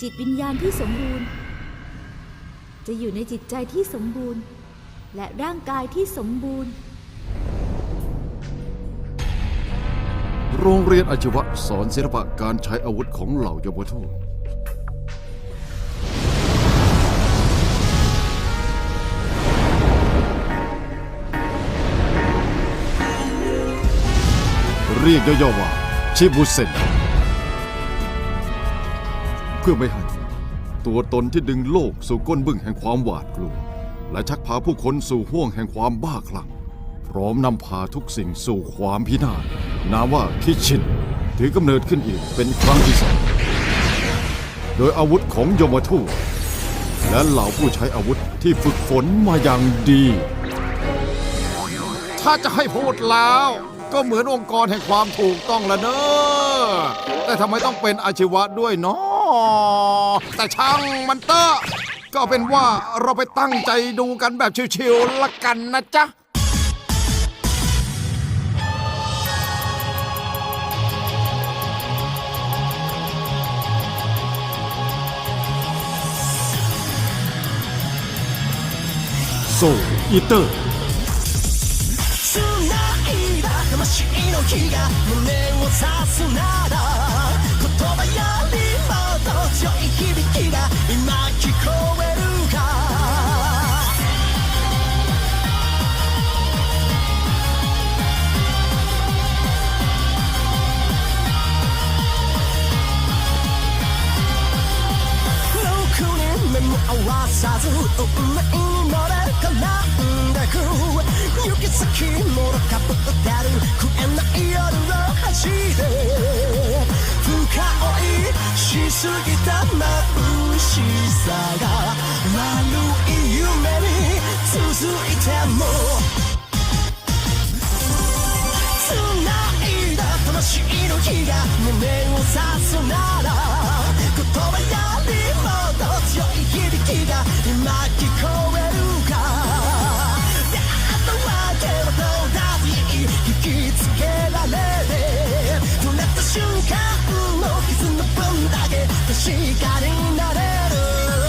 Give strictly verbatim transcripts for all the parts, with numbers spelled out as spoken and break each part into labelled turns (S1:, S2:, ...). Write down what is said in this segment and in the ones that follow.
S1: จิตวิญญาณที่สมบูรณ์จะอยู่ในจิตใจที่สมบูรณ์และร่างกายที่สมบูรณ์
S2: โรงเรียนอาชีวะสอนศิลปะการใช้อาวุธของเหล่ายมทูตเรียกย่อๆว่าชิบุเซนเพื่อไม่ให้ตัวตนที่ดึงโลกสู่ก้นบึ้งแห่งความหวาดกลัวและชักพาผู้คนสู่ห้วงแห่งความบ้าคลั่งพร้อมนำพาทุกสิ่งสู่ความพินาศนามว่าคิชินถือกำเนิดขึ้นอีกเป็นครั้งที่สองโดยอาวุธของยมทูตและเหล่าผู้ใช้อาวุธที่ฝึกฝนมาอย่างดีถ้าจะให้พูดแล้วก็เหมือนองค์กรแห่งความถูกต้องละเนอะแต่ทำไมต้องเป็นอาชีวะด้วยเนาะแต่ช่างมันเตอะก็เป็นว่าเราไปตั้งใจดูกันแบบชิวๆละกันนะจ๊ะโซอีเตอร์魂の火が胸を刺すなら言葉よりもっと強い響きが今聞こえるかろくに目も合わさず運命に乗れ絡んでく行き先もろかぶってる食えない夜を走れ深追いしすぎた眩しさが悪い夢に続いても繋いだ魂の火が胸を刺すなら言葉よりもっと強い響きが今聞こえるか引きつけられて触れた瞬間の傷の分だけ確かになれる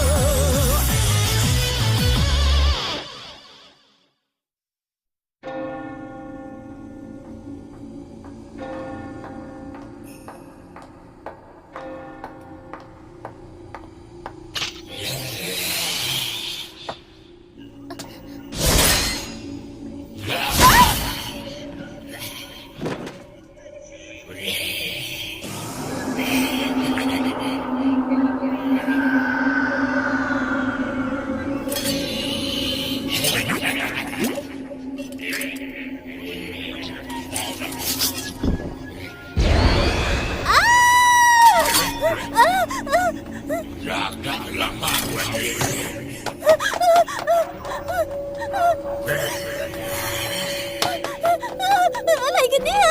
S1: อะไรกันเนี่ย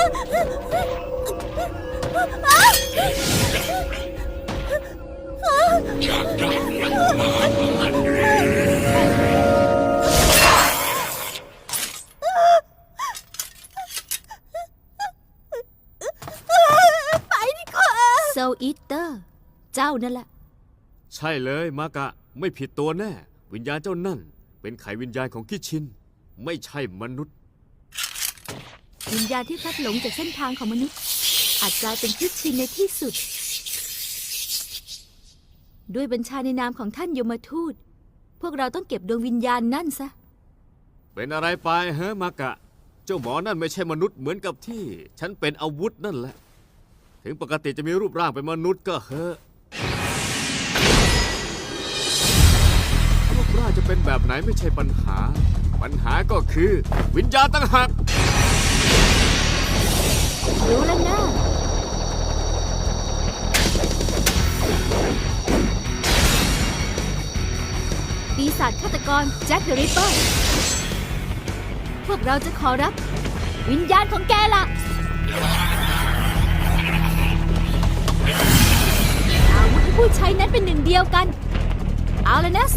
S1: ไปดีกว่าโซอีเตอร์เจ้านั่นแหละ
S3: ใช่เลยมากะไม่ผิดตัวแน่วิญญาณเจ้านั่นเป็นไขวิญญาณของคิชินไม่ใช่มนุษย์
S1: วิญญาณที่พลัดหลงจากเส้นทางของมนุษย์อาจกลายเป็นคิชินในที่สุดด้วยบัญชาในนามของท่านยมทูตพวกเราต้องเก็บดวงวิญญาณนั่นซะ
S3: เป็นอะไรไปฮะมากะเจ้าหมอนั่นไม่ใช่มนุษย์เหมือนกับที่ฉันเป็นอาวุธนั่นแหละถึงปกติจะมีรูปร่างเป็นมนุษย์ก็เถอะรูปร่างจะเป็นแบบไหนไม่ใช่ปัญหาปัญหาก็คือวิญญาณต่างหาก
S1: รู้แล้วนะปีศาจฆาตกรแจ็คเดอะริปเปอร์พวกเราจะขอรับวิญญาณของแกล่ะอาวุธที่ผู้ใช้นั้นเป็นหนึ่งเดียวกันเอาแล้วนะโซ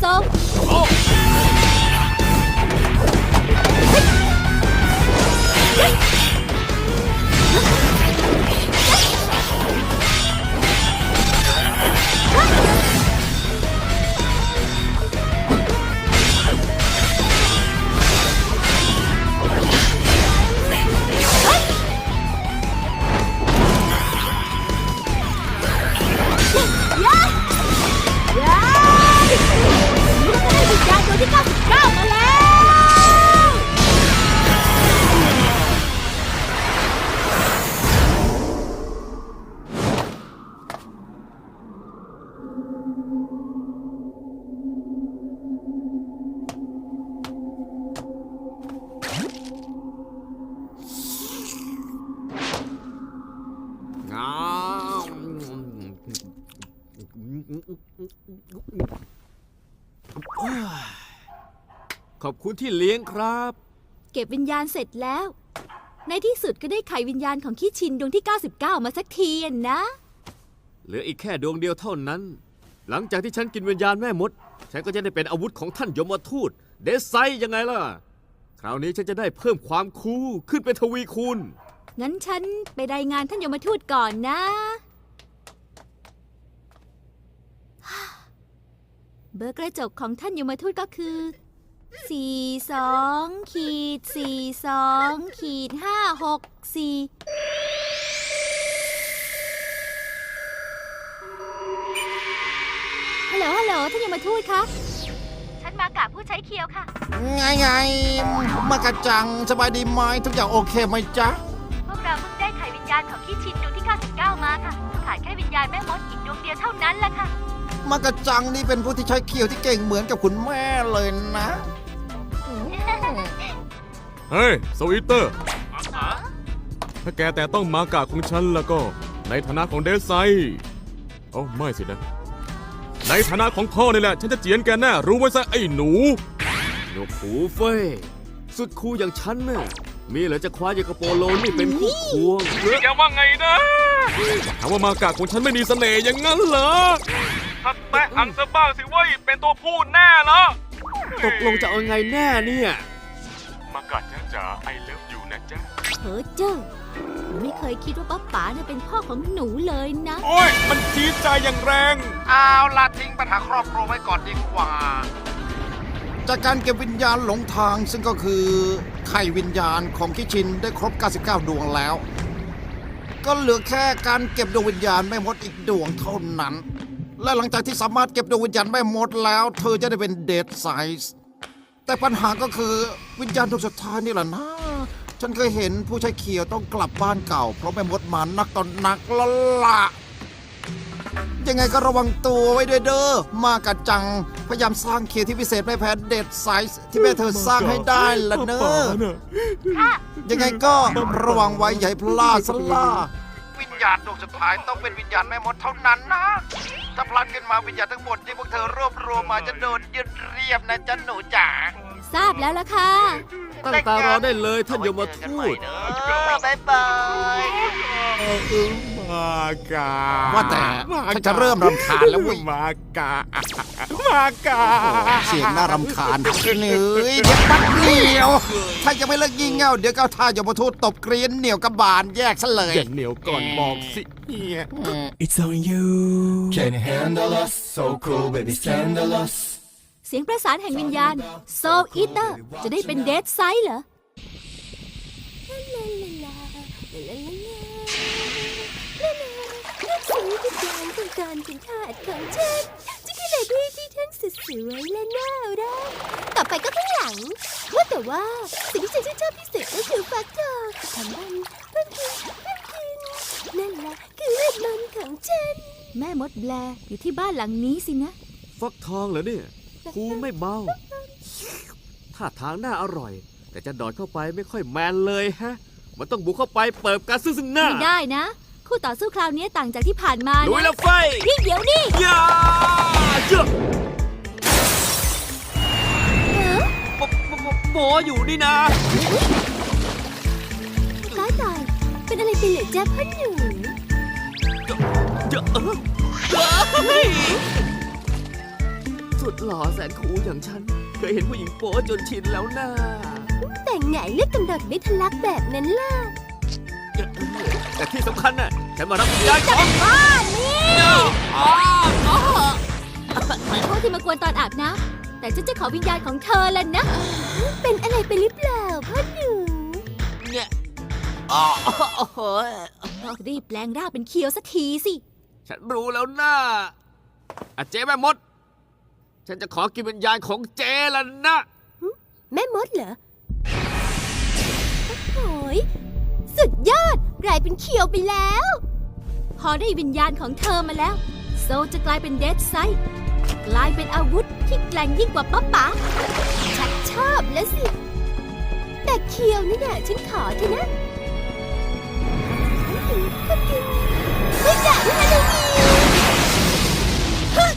S3: ขอบคุณที่เลี้ยงครับ
S1: เก็บวิญญาณเสร็จแล้ว ในที่สุดก็ได้ไขวิญญาณของคิชินดวงที่ เก้าสิบเก้า มาสักทีอะนะ
S3: เหลืออีกแค่ดวงเดียวเท่านั้น หลังจากที่ฉันกินวิญญาณแม่มด ฉันก็จะได้เป็นอาวุธของท่านยมทูต เดซไซยังไงล่ะ คราวนี้ฉันจะได้เพิ่มความคูลขึ้นเป็นทวีคูณ
S1: งั้นฉันไปรายงานท่านยมทูตก่อนนะ เบอร์กระจกของท่านยมทูตก็คือ สี่ สองขีดสี่ สองขีดห้า หก สี่ ฮัลโหล ฮัลโหล ท่านยมทูตคะ ฉันมากะผู้ใช้เคียวค่ะ
S4: ไงไงมากระจังสบายดีไหมทุกอย่างโอเคไหมจ๊ะ
S1: พวกเราเพิ่งได้ไขวิญญาณของคิชินดวงที่ เก้าสิบเก้า มาค่ะ ขาดแค่วิญญาณแม่มดอีกดวงเดียวเท่านั้นแหละค่ะ
S4: มากระจังนี่เป็นผู้ที่ใช้เคียวที่เก่งเหมือนกับคุณแม่เลยนะ
S5: เฮ้ยสวีเตอร์ ถ้าแกแต่ต้องมากาของฉันแล้วก็ ในฐานะของเดซไซโอ้ไม่สินะ ในฐานะของพ่อนี่แหละ ฉันจะเจียนแกแน่รู้ไว้ซะไอ้หนู
S3: หนวกหูเฟ้ย สุดคูลอย่างฉันน่ะ มีเหรอจะคว้าอย่างกระโปโลนี่เป็นคู่ควง
S5: แกว่าไงนะถามว่ามากาของฉันไม่มีเสน่ห์อย่างนั้นเหรอ ถ้าแตะอังซะบ้างสิเว้ยเป็นตัวพูดแน่เหรอ
S3: ตกลงจะเอาไงแน่เนี่ย
S5: มากาจ้าจ๋าไอเลิฟอยู่นะจ๊ะ
S1: เฮ้อเจ้าไม่เคยคิดว่าป้าป๋าเนี่ยเป็นพ่อของหนูเลยนะ
S5: โอ้ยมันจี๊ดใจอย่างแรง
S4: เอาละทิ้งปัญหาครอบครัวไว้ก่อนดีกว่า จากการเก็บวิญญาณหลงทางซึ่งก็คือไข่วิญญาณของคิชินได้ครบ เก้าสิบเก้า ดวงแล้ว ก็เหลือแค่การเก็บดวงวิญญาณแม่มดอีกดวงเท่านั้น และหลังจากที่สามารถเก็บดวงวิญญาณแม่มดแล้ว เธอจะได้เป็นเดดไซส์แต่ปัญหาก็คือวิญญาณดวงสุดท้ายนี่แหละนะ ฉันเคยเห็นผู้ใช้เขียวต้องกลับบ้านเก่าเพราะแม่มดมานักต่อนนักแล้วล่ะ ยังไงก็ระวังตัวไว้ด้วยเด้อ มากะจัง พยายามสร้างเขียวที่พิเศษไม่แพ้เด็ดไซส์ที่แม่เธอสร้างให้ได้ละเนอะยังไงก็ระวังไว้อย่าให้พลาดสล่าวิญญาณดวงสุดท้ายต้องเป็นวิญญาณแม่มดเท่านั้นนะ ถ้าพลาดขึ้นมาวิญญาณทั้งหมดที่พวกเธอรวบรวมมาจะโดนยึดเรียบนะจ๊ะหนูจ๋า
S1: ทราบแล้วล่ะค่ะ
S3: ตั้งตารอได้เลยท่านยมทูต
S4: บ๊ายบาย
S5: มากา
S4: ว่าแต่ฉันจะเริ่มรำคาญแล้วเว้ย
S5: มากามากา
S4: เสียงน่ารำคาญเหนื่อยเดี๋ยวปัดเหนียว ถ้ายังไม่เลิกยิงเง่าเดี๋ยวก้าวท่ายมทูตตบเกรียนเหนียวกับบานแยกซะเลย
S5: อย่าเหนียวก่อนบอกสิเฮีย
S6: It's on you. Can you handle us? So cool, baby, scandalous.
S1: เสียงประสานแห่งวิญญาณ Soul Eater จะได้เป็นเดดไซส์เหรอ
S7: สีวิญญาณของการเป็นทาสของฉันจะคือเลดี้ที่ทั้งสวยและน่ารักต่อไปก็ข้างหลังว่าแต่ว่าสิ่งที่ฉันชื่นชอบที่สุดก็คือฟักทองทำมันเพิ่มกินเพิ่มกินนั่นแหละคือเวทมนต์ของฉัน
S1: แม่มดแบลอยู่ที่บ้านหลังนี้สินะ
S3: ฟักทองเหรอเนี่ยคูลไม่เบาท่าทางน่าอร่อย แต่จะดอดเข้าไปไม่ค่อยแมนเลยฮะ มันต้องบุกเข้าไปเปิดการซึ่งซึ่งหน้า
S1: ไม่ได้นะ คู่ต่อสู้คราวนี้ต่างจากที่ผ่านมา
S3: ลุย
S1: นะ
S3: แล้วไฟ
S1: นี่เดี๋ยวนี่
S3: ยาเจ้าโปโปโปโปอยู่นี่นะ
S7: ตายตายเป็นอะไรไปเหรอจ๊ะพ่อหนู
S3: เจ้าเออเฮ้ยสุดหล่อแสนคูลอย่างฉัน เคยเห็นผู้หญิงโป๊จนชินแล้วนะ
S7: แต่งไหนเลือดกำเดดไม่ทะลักแบบนั้นล่ะ
S3: แต่ที่สำคัญน่ะฉันมารับวิญญาณของ
S1: บ้านี่ขอโทษที่มากวนตอนอาบน้ำแต่ฉันจะขอวิญญาณของเธอแล้วนะ
S7: เป็นอะไรไปหรือเปล่าพ่อหนู
S3: เนี่ยอ๋อโอ้โห
S1: รีบแปลงร่างเป็นเคียวสักทีสิ
S3: ฉันรู้แล้วนะอาเจ๊แม่มด ฉันจะขอกินวิญญาณของเจ๊แล้วนะ
S7: แม่มดเหรอโอ้ยสุดยอดกลายเป็นเขียวไปแล้ว
S1: พอได้วิญญาณของเธอมาแล้ว โซลจะกลายเป็นเดดไซส์กลายเป็นอาวุธที่แกร่งยิ่งกว่าป๊าป๋า
S7: ชักชอบแล้วสิ แต่เขียวนี่น่ะฉันขอเถอะนะไม่ด่าด้วยนะลูก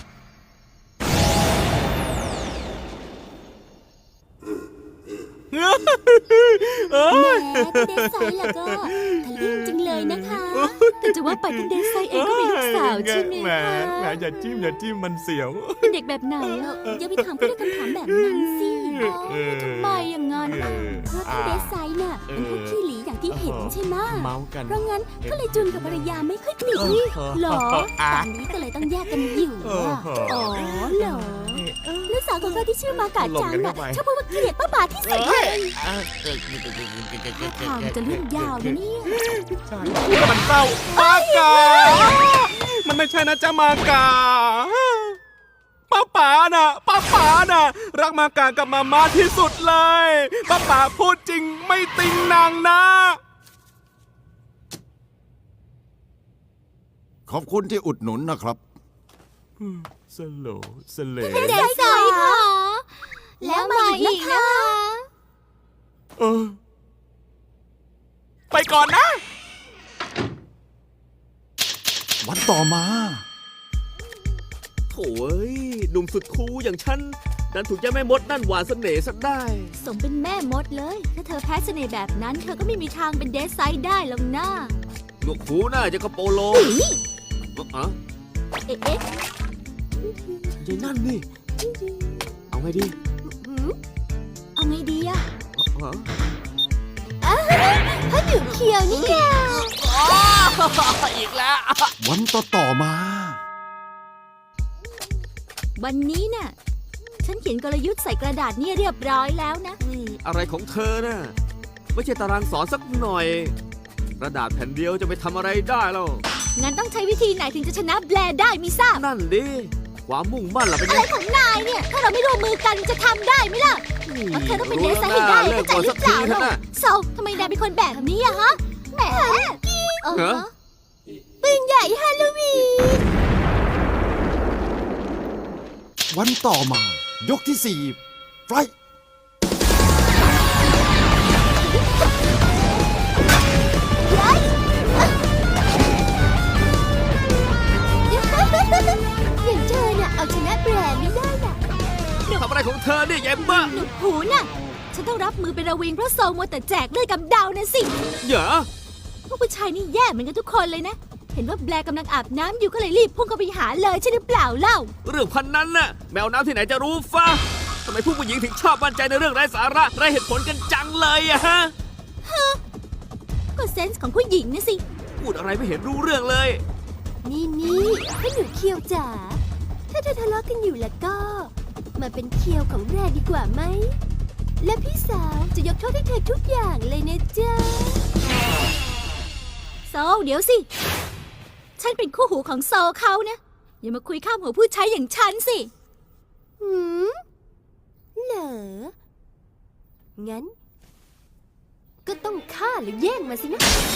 S7: คุณเดซไซน์ล่ะก็ทะลึ่งจังเลยนะคะ
S1: แต่จะว่าไปคุณเดซไซเองก็เป็นลูกสาวใช่ไหม
S5: แหม
S1: คะ
S5: แหมอย่าจิ้มอย่าจิ้มมันเสียว
S1: เป็นเด็กแบบไหนอะ
S7: อย่าไปถามเขาด้วยคำถามแบบนั้นสิ
S1: อ๋อทำไมอย่างนั้น
S5: เอ
S1: อะ
S5: อ
S7: เพราะท่านเดซไซน์น่ะเป็นพวกขี้หลีอย่างที่เห็นใช่ไหม
S5: เมากัน
S7: เพราะงั้นก็เลยจุนกับภรรยาไม่ค่อยติดหรอตอนนี้ก็เลยต้องแยกกันอยู่อะอ๋อเหรอลูกสาวของเราที่ชื่อมากาจังน่ะชอบพูดว่าเกลียดป้าบาที่สุดเลยท่าทางจะเรื่องยาวนะเนี่ย
S5: พูดแล้วมันเศร้ามากา มันไม่ใช่นะจ๊ะมากา ป้าป๋าน่ะ ป้าป๋าน่ะ รักมากากับมาม่าที่สุดเลย ป้าป๋าพูดจริงไม่ติงนางนะ
S2: ขอบคุณที่อุดหนุนนะครับ
S5: สโลสเล
S1: เดซไซค่ะแล้วมาอีกนะคะ
S5: เออ ไปก่อนนะ
S2: วันต่อมา
S3: โถ่เอ้ยหนุ่มสุดคูลอย่างฉันดันถูกเจ้าแม่มดนั่นหวานเสน่ห์ซะได้
S1: สมเป็นแม่มดเลย ถ้าเธอแพ้เสน่ห์แบบนั้น เธอก็ไม่มีทางเป็นเดซไซได้หรอกนะ
S3: หนวกหูหน้าจะกระโปโลอ๋อ
S1: เอ๊ะเอ๊ะ
S3: ยายนั่นนี่ เอาไงดี
S1: เอาไงดีอะ
S3: อ๋อ
S7: พ่อหนูเคียวนี่แก
S3: อีกแล้ว
S2: วันต่อต่อมา
S1: วันนี้น่ะ ฉันเขียนกลยุทธ์ใส่กระดาษเนี่ยเรียบร้อยแล้วนะ
S3: อะไรของเธอน่ะไม่ใช่ตารางสอนสักหน่อย กระดาษแผ่นเดียวจะไปทำอะไรได้แล้ว
S1: งั้นต้องใช้วิธีไหนถึงจะชนะแบรได้มิทราบ
S3: นั่นดิความมุ่งมั่นล่ะเป็น
S1: อะ
S3: ไง
S1: ไรของนายเนี่ย ถ้าเราไม่ร่วมมือกันจะทำได้ไหมล่ะเพราะเธอต้องเป็นเดซไซให้ได้
S3: เลิ
S1: เข้าก ใจ
S3: ก่อน
S1: หรื
S3: สั
S1: อก เป
S3: ที
S1: ล่า
S3: เถอะ
S1: เนาะ
S3: นะ
S1: โซทำไมนายเป็นคนแบบนี้อะฮะแหมเออ
S3: เหรอ
S7: ปืนใหญ่ฮาโลวีน
S2: วันต่อมา ยกที่สี่ไฟ
S7: อย่างเธอน่ะเอาชนะแบรนด์ไม่ได้น่ะ
S3: ทำอะไรของเธอเนี่ยยายบ้า
S1: หนุกหูน่ะ ฉันต้องรับมือเป็นระวิงเพราะโซมัวแต่แจกเลือดกับดาวนะสิ
S3: เหรอ
S1: พวกผู้ชายนี่แย่เหมือนกันทุกคนเลยนะ เห็นว่าแบร์กำลังอาบน้ำอยู่ก็เลยรีบพุ่งเข้าไปหาเลยใช่หรือเปล่าเล่า
S3: เรื่องพันนั้นน่ะแมวน้ำที่ไหนจะรู้ฟ้าทำไมผู้หญิงถึงชอบมั่นใจในเรื่องไร้สาระไร้เหตุผลกันจังเลยอะฮะ
S1: ก็เซนส์ของผู้หญิงนะสิ
S3: พูดอะไรไม่เห็นรู้เรื่องเลย
S7: นี่นี่พ่อหนูเคียวจ๋า ถ้าเธอทะเลาะกันอยู่แล้วก็ มาเป็นเคียวของแบรนด์ดีกว่าไหม และพี่สาวจะยกโทษให้เธอทุกอย่างเลยนะจ๊ะ
S1: โซเดี๋ยวสิ ฉันเป็นคู่หูของโซเขานะ อย่ามาคุยข้ามหัวผู้ใช้อย่างฉันสิ
S7: หืม เหรอ งั้น ก็ต้องฆ่าหรือแย่งมาสินะ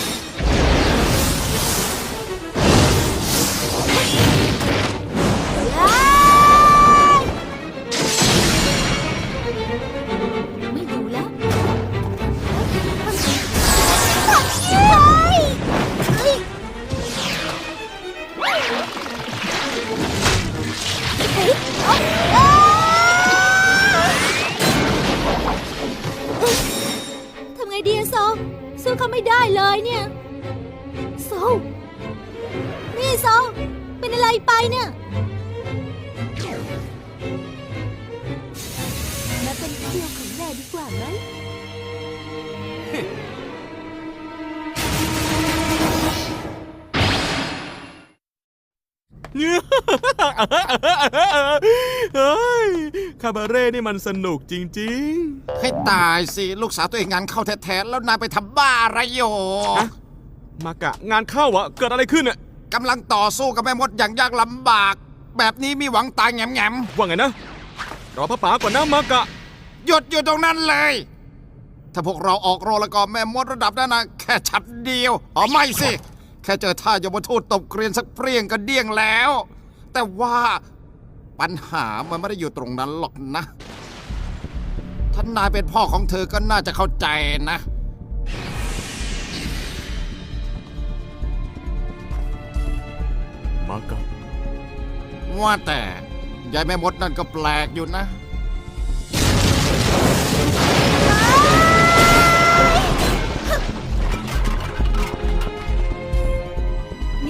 S1: ไม่อยู่แล้ว ทำไงดีอะโซสู้เขาไม่ได้เลยเนี่ย โซ นี่โซ เป็นอะไรไปเนี่ย
S7: มาเป็นเคียวของแบรนด์ดีกว่าไหม
S5: เฮ้ย คาบาเร่นี่มันสนุกจริง
S4: ให้ตายสิ ลูกสาวตัวเองงานเข้าแท้ๆแล้วนายไปทำบ้าอะไรอยู่
S5: ๆ ฮะ มากะงานเข้าอะเกิดอะไรขึ้นอะ
S4: กำลังต่อสู้กับแม่มดอย่างยากลำบาก แบบนี้มีหวังตายแง่ม
S5: ว่าไงนะ รอพระป๋าก่อนนะมากะ
S4: ๆหยุดอยู่ตรงนั้นเลย ถ้าพวกเราออกโรแล้วก็แม่มดระดับนั้นนะแค่ฉัดเดียวอ๋อไม่สิ แค่เจอท่ายมทูตตบเกรียนสักเปรี้ยงก็เดี้ยงแล้ว แต่ว่าปัญหามันไม่ได้อยู่ตรงนั้นหรอกนะท่านนายเป็นพ่อของเธอก็น่าจะเข้าใจนะ
S5: มากะ
S4: ว่าแต่ยายแม่มดนั่นก็แปลกอยู่นะ
S7: เ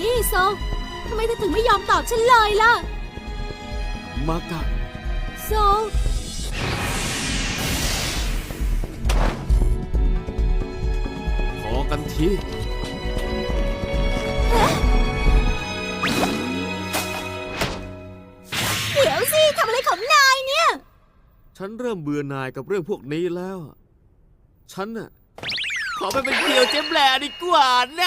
S1: นี่โซทำไมเธอถึงไม่ยอมตอบฉันเลยล่ะ
S3: มากะ
S1: โซ
S3: พอกันที
S1: เดี๋ยวสิทำอะไรของนายเนี่ย
S3: ฉันเริ่มเบื่อหน่ายกับเรื่องพวกนี้แล้ว ฉันน่ะ ขอไปเป็นเกี่ยวเจ๊แบลดีกว่านะ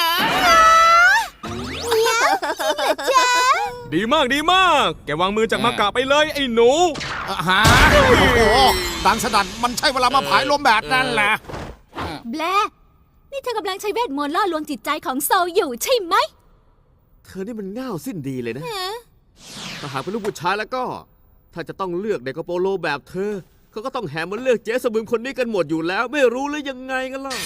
S5: ดีมากดีมาก แกวางมือจากมากะไปเลยไอ้หนู
S4: อ่ะฮะโอ้โหดังสนั่นมันใช่เวลามาผายลมแบบนั้นแหละ
S1: แบลนี่เธอกำลังใช้เวทมนต์ล่อลวงจิตใจของโซอยู่ใช่ไหม
S3: เธอนี่มันง่าวสิ้นดีเลยนะ
S1: ฮะ
S3: ถ้าหากเป็นลูกผู้ชายแล้วก็ ถ้าจะต้องเลือกเด็กกระโปโลแบบเธอ เขาก็ต้องแห่มาเลือกเจ๊สะบึมคนนี้กันหมดอยู่แล้ว ไม่รู้หรือยังไงกันล่ะ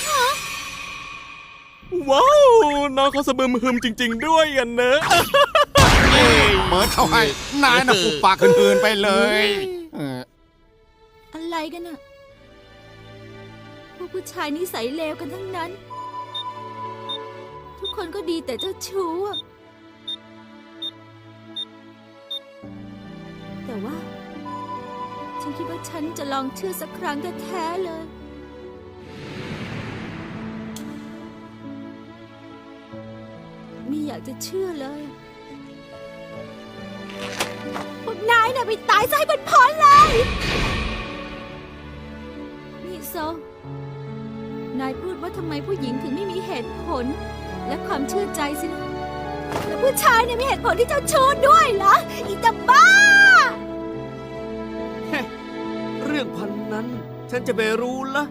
S5: ว้าว น้องเขาสะบึมฮึมจริง ๆ ด้วยอ่ะเนอะ
S4: เปิดเข้าให้นายน่ะปุบปากคืนๆไปเลยเออ
S1: อะไรกันน่ะพวกผู้ชายนิสัยเลวกันทั้งนั้น ทุกคนก็ดีแต่เจ้าชู้อะแต่ว่า ฉันคิดว่าฉันจะลองเชื่อสักครั้งแท้ๆเลย ไม่อยากจะเชื่อเลย พวกนายน่ะไปตายซะให้บนพ้นเลย นี่โซ นายพูดว่าทำไมผู้หญิงถึงไม่มีเหตุผล และความเชื่อใจสินะ แล้วผู้ชายเนี่ยมีเหตุผลที่เจ้าชู้ด้วยเหรอ อีตาบ้า
S3: เรื่องพันนั้น ฉันจะไปรู้ละ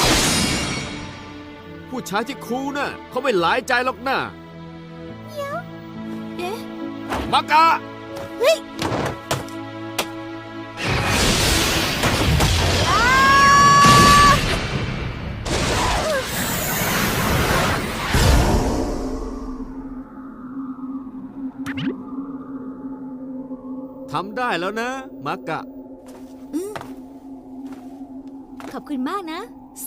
S3: ผู้ชายที่คูลน่ะเขาไม่หลายใจหรอกนะ
S1: เอ๊ะ
S3: มากะ
S1: เฮ้ยอ้า
S3: ทำได้แล้วนะ มากะ
S1: ขอบคุณมากนะ โซ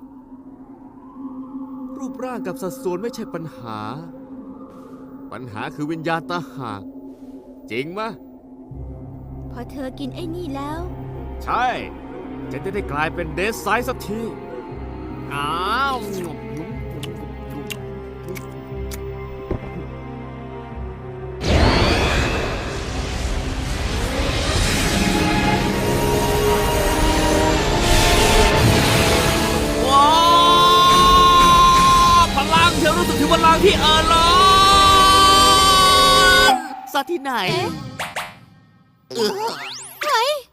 S3: รูปร่างกับสัดส่วนไม่ใช่ปัญหา ปัญหาคือวิญญาณตาหาก จริงมะ
S1: พอเธอกินไอ้นี่แล้ว
S3: ใช่ จะได้ได้กลายเป็นเดสไซส์สักที อ้าว ว้าวพลังเธอรู้สึกถึงพลังที่เออล้อนซะที่ไหน
S1: เฮ้ย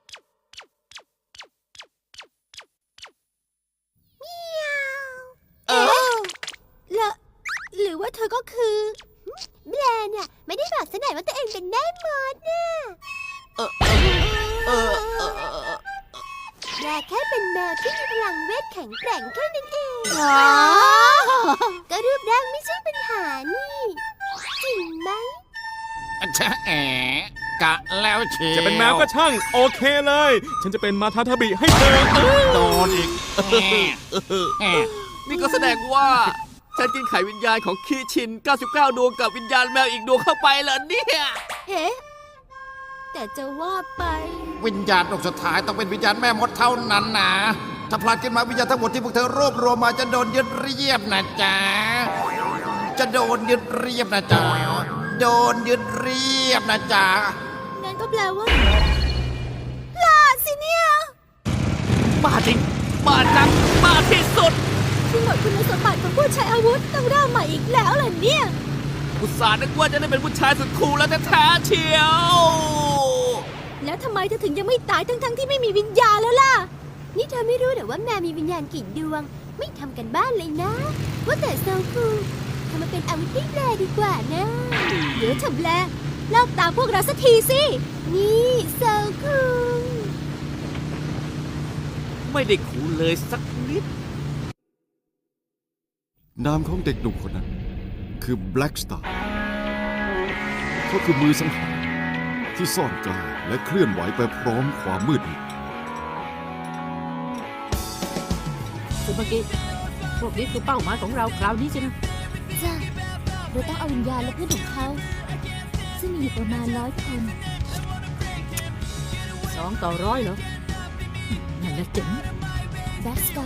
S3: เออ
S1: แล้วหรือว่าเธอก็คือ
S7: แบรนด์น่ะไม่ได้บอกซะหน่อยว่าตัวเองเป็นแม่มดน่ะ
S3: เออ เออ เออ
S7: แบรแค่เป็นแมวที่มีพลังเวทแข็งแกร่งแค่นั้นเอง
S1: อ๋อ
S7: ก็รูปร่างไม่ใช่ปัญหานี่ จริงไหม
S4: ชะแอะกะแล้วเชียว
S5: จะเป็นแมวก็ช่าง โอเคเลย ฉันจะเป็นมาทาทาบิให้เธอ
S4: โดนอีกแอะแอะ
S3: นี่ก็แสดงว่า ฉันกินไข่วิญญาณของคีชิน เก้าสิบเก้า ดวงกับวิญญาณแมวอีกดวงเข้าไปเหรอเนี่ย
S1: เอ๊ะ แต่จะว่าไป
S4: วิญญาณดวงสุดท้ายต้องเป็นวิญญาณแม่มดเท่านั้นนะถ้าพลาดขึ้นมาวิญญาณทั้งหมดที่พวกเธอรวบรวมมาจะโดนยึดเรียบนะจ๊ะจะโดนยึดเรียบนะจ๊ะโดนยึดเรียบนะจ๊ะ
S1: งั้นก็แปลว่าลาดสิเนี่ย
S3: บ้าจริง บ้าจัง บ้าที่สุด
S1: ที่หมดคุณสมบัติของผู้ใช้อาวุธต้องเริ่มใหม่อีกแล้วเหรอเนี่ย
S3: อุตส่าห์นึกว่าจะได้เป็นผู้ชายสุดคูลแล้วแท้ๆเชียว
S1: แล้วทำไมเธอถึงยังไม่ตายทั้งๆที่ไม่มีวิญญาณแล้วล่ะ
S7: นี่เธอไม่รู้เหรอว่าแมวมีวิญญาณกี่ดวง ไม่ทำกันบ้านเลยนะ ว่าแต่โซคูทำมาเป็นอาวุธให้แบรดีกว่านะ
S1: เดี๋ยวเธอแบลเลิกตามพวกเราสักทีสิ
S7: นี่โซคู
S3: ไม่ได้คูลเลยสักนิด
S2: นามของเด็กหนุ่มคนนั้น คือ Black Star เขาคือมือสังหารที่ซ่อนกลางและเคลื่อนไหวไปพร้อมความมืดมิด
S8: ซูเปอร์กิพวกนี้คือเป้าหมายของเราคราวนี้สินะ
S7: จ้ะ
S1: เราต้องเอาวิญญาณและเพื่อนของเขา ซึ่งมีอยู่ประมาณร้อยคน
S8: สองต่อร้อยเหรอ นั่นแหละเจ๋ง
S1: แบ็กสกา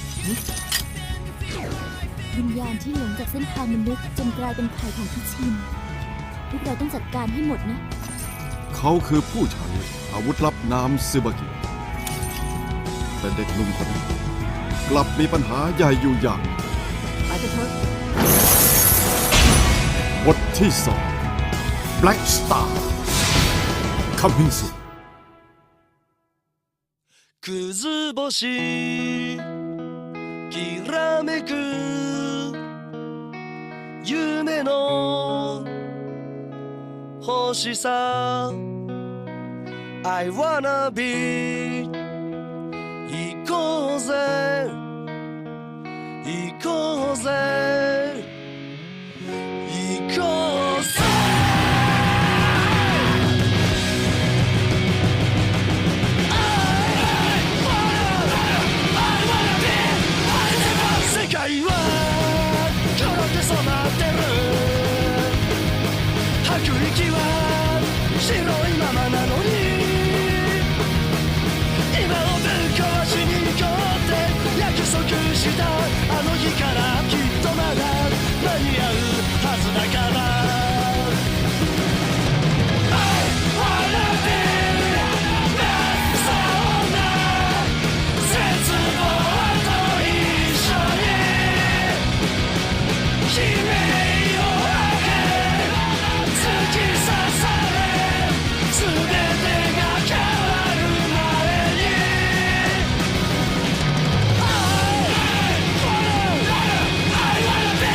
S1: วิญญาณที่หลงจากเส้นทางมนุษย์จนกลายเป็นไข่ของพิชิน พวกเราต้องจัดการให้หมดนะ
S2: เขาคือผู้ใช้อาวุธลับนามซึบากิ แต่เด็กหนุ่มคนนี้กลับมีปัญหาใหญ่อยู่อย่าง
S8: ไปกันเถอะ
S2: บทที่สอง Black Star Coming soon
S6: くず星きらめく夢の星さ I wanna be 行こうぜ行こうぜ行こうぜ世界は黒く染まってる吐く息は白いままなのに今をぶっ壊しに行こうって約束したあの日からきっとまだ間に合うはずだから I wanna be そんな絶望と一緒に悲鳴を上げ突き刺され全てが変わる前に I wanna I wanna be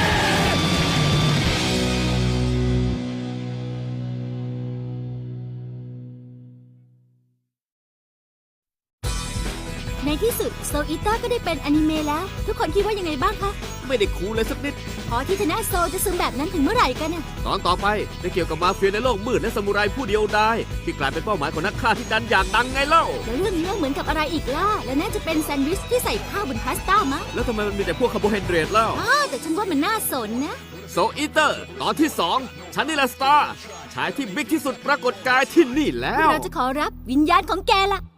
S1: ในที่สุดโซอิต้าก็ได้เป็นอนิเมะแล้ว ทุกคนคิดว่ายังไงบ้างคะ
S3: ไม่ได้คูลเลยสักนิด
S1: พอที่ชนะโซจะซึมแบบนั้นถึงเมื่อไหร่กันน่ะ
S3: ตอนต่อไปได้เกี่ยวกับมาเฟียในโลกมืดและซามูไรผู้เดียวดายที่กลายเป็นเป้าหมายของนักฆ่าที่ดันอยากดังไงเล่า
S1: แล้วเรื่องนี้เหมือนกับอะไรอีกล่ะ แล้วน่าจะเป็นแซนด์วิชที่ใส่ข้าวบนพาสต้ามั้ง
S3: แล้วทำไมมันมีแต่พวกคาร์โบไฮเดรตเล่า
S1: อ้าวแต่ฉันว่ามันน่าสนนะ
S3: โซอีเตอร์ ตอนที่สองฉันนี่แหละสตาร์ชายที่บิ๊กที่สุดปรากฏกายที่นี่แล้ว
S1: เราจะขอรับวิญญาณของแกล่ะ